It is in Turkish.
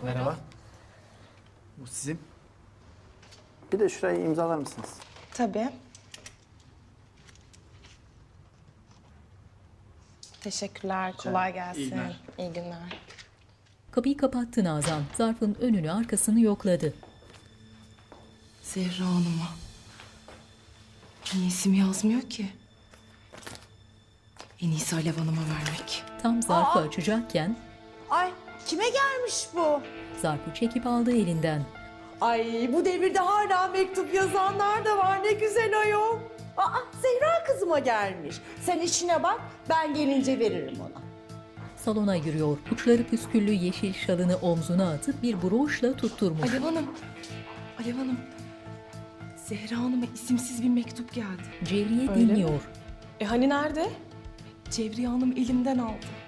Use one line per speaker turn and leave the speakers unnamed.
Merhaba. Bu sizin.
Bir de şurayı imzalar mısınız?
Tabii. Teşekkürler, kolay gelsin.
İyi günler.
İyi günler.
Kapıyı kapattı Nazan. Zarfın önünü arkasını yokladı.
Zehra Hanım'a. Niye isim yazmıyor ki? En iyisi Alev Hanım'a vermek.
Tam zarfı açacakken
Ay kime gelmiş bu?
zarfı çekip aldı elinden.
Ay bu devirde hala mektup yazanlar da var, ne güzel ayol. Aa Zehra kızıma gelmiş. Sen işine bak, ben gelince veririm ona.
Salona yürüyor. Uçları püsküllü yeşil şalını omzuna atıp bir broşla tutturmuş.
Alev Hanım. Alev Hanım. Zehra Hanım'a isimsiz bir mektup geldi.
Cevriye
Öyle
dinliyor.
Hani nerede? Cevriye Hanım elimden aldı.